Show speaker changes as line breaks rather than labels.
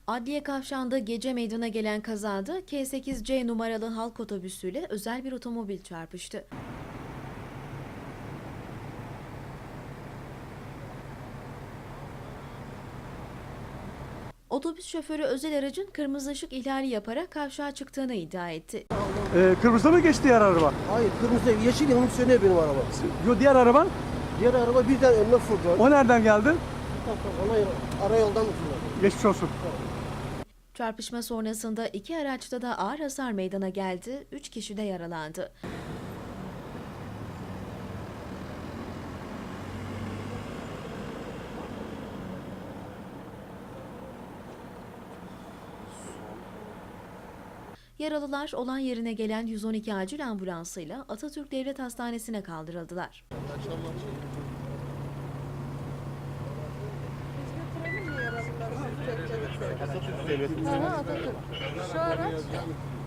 Adliye Kavşağı'nda gece meydana gelen kazada K8C numaralı halk otobüsüyle özel bir otomobil çarpıştı. Otobüs şoförü özel aracın kırmızı ışık ihlali yaparak kavşağa çıktığını iddia etti.
Kırmızıda mı geçti diğer araba?
Hayır, kırmızı yeşil yanıp sönüyor benim araba.
Yo, diğer araban?
Diğer araba birden önüme fırladı.
O nereden geldi?
Ona arayoldan fırladı.
Geçmiş olsun.
Çarpışma sonrasında iki araçta da ağır hasar meydana geldi, 3 kişi de yaralandı. Yaralılar olay yerine gelen 112 acil ambulansıyla Atatürk Devlet Hastanesi'ne kaldırıldılar.
Atatürk Devleti. Atatürk. Şu araç